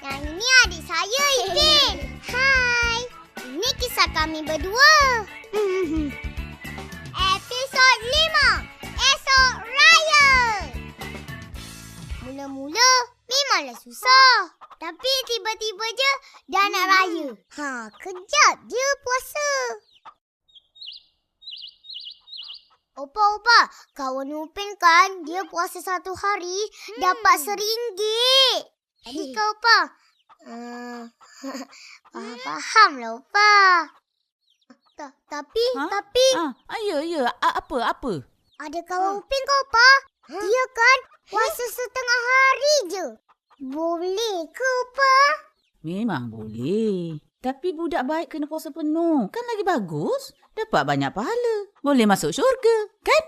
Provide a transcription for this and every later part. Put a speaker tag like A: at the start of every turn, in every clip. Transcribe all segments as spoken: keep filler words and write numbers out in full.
A: Yang ini adik saya, Ipin. Hai. Ini kisah kami berdua. Episod lima. Esok Raya. Mula-mula memanglah susah. Tapi tiba-tiba je dah nak raya. Ha, kejap je puasa. Opa-opa, kawan Upin kan dia puasa satu hari hmm. dapat seringgit. Jadi kau Opa? Uh, faham lah Opa. Ta- tapi, ha? tapi...
B: Ah, ah, ya, ya. Ah, apa, apa?
A: Ada kawan Upin kau Opa? Huh? Dia kan puasa setengah hari je. Boleh ke Opa?
B: Memang boleh. Tapi budak baik kena puasa penuh. Kan lagi bagus. Dapat banyak pahala. Boleh masuk syurga, kan?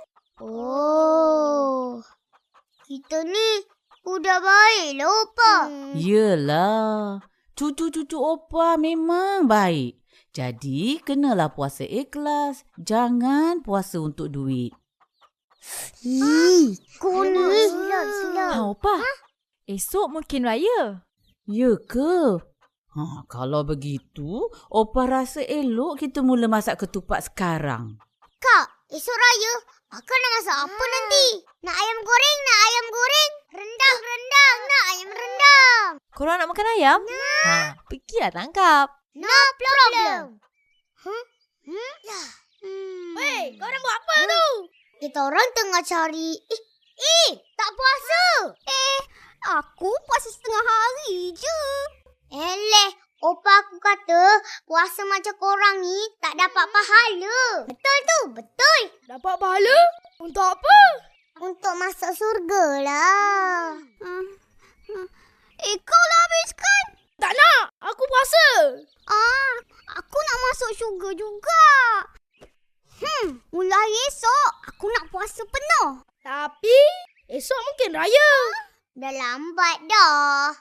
A: Oh. Kita ni budak baik lah, Opa.
B: Hmm. Yelah. Cucu-cucu Opa memang baik. Jadi, kenalah puasa ikhlas. Jangan puasa untuk duit.
A: Ih, kau ni. Silap, silap.
C: Ha, Opa. Ha? Esok mungkin raya.
B: Ya ke? Ha, kalau begitu, Opa rasa elok kita mula masak ketupat sekarang.
A: Kak, esok raya, Akak nak masak apa ha. nanti? Nak ayam goreng, nak ayam goreng. Rendang, rendang, nak ayam rendang.
C: Korang nak makan ayam?
A: Nak.
C: Ha, pergilah tangkap.
A: No problem. Huh? Hmm? Hmm.
D: Weh, korang buat apa hmm. tu?
A: Kita orang tengah cari... Eh, eh, tak puasa.
D: Eh, aku puasa setengah hari je.
A: Eleh, Opa aku kata puasa macam korang ni tak dapat pahala. Betul tu, betul.
D: Dapat pahala? Untuk apa?
A: Untuk masuk syurga lah.
D: Hmm. Hmm. Eh, kau lah habiskan. Tak nak, aku puasa.
A: Ah, aku nak masuk syurga juga. Hmm, mulai esok aku nak puasa penuh.
D: Tapi esok mungkin raya.
A: Dah lambat dah.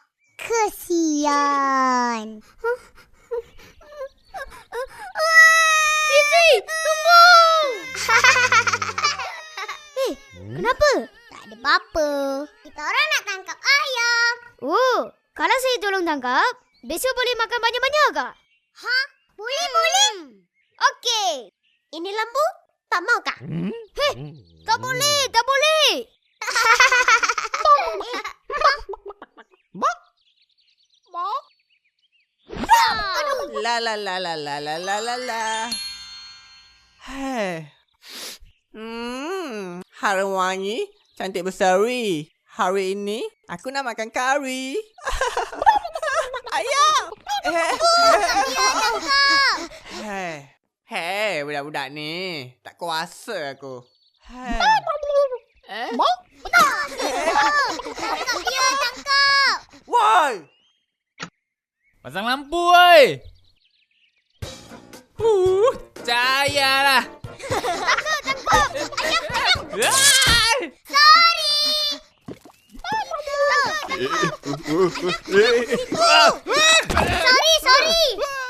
A: Kesian.
D: Fizi, tunggu.
A: Eh, kenapa? Tak ada apa-apa. Kita orang nak tangkap ayam.
D: Oh, kalau saya tolong tangkap, besok boleh makan banyak-banyak kak?
A: Ha? Boleh, hmm. boleh. Okey. Ini lembu? Tak mau kak?
D: Hmm? Hei, tak boleh, tak boleh.
E: La la la la la la la la la. Hei. Hmm, harum wangi, cantik berseri. Hari ini aku nak makan kari. Ayam. Hei. Hei, budak-budak ni. Tak kuasa aku. Hei.
D: Eh?
A: Tangkap dia, tangkap.
E: Woi.
F: Pasang lampu, oi. Uh, cahayalah.
A: Tangkap, tangkap. Ayam, ayam.
F: Ah!
A: Sorry. Sorry, sorry.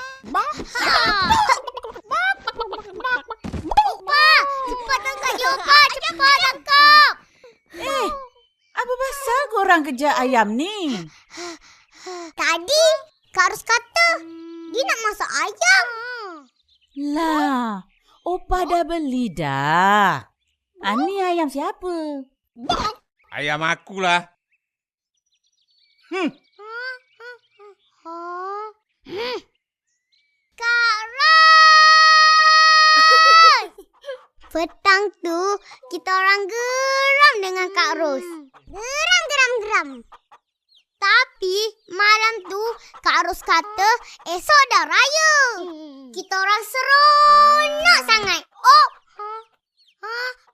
A: Opa, cepat tangkap dia, Opa. Cepat tangkap.
B: Eh, apa pasal korang kejar ayam ni?
A: Tadi, Kak Ros kata dia nak masak ayam.
B: Lah, Opa dah beli dah. Ah, ni ayam siapa?
F: Ayam akulah.
A: Hmm. Kak Ros! Petang tu, kita orang geram dengan Kak Ros. Geram, geram, geram. Tapi malam tu Kak Ros kata esok dah raya. Kita orang seronok sangat. Oh, ha,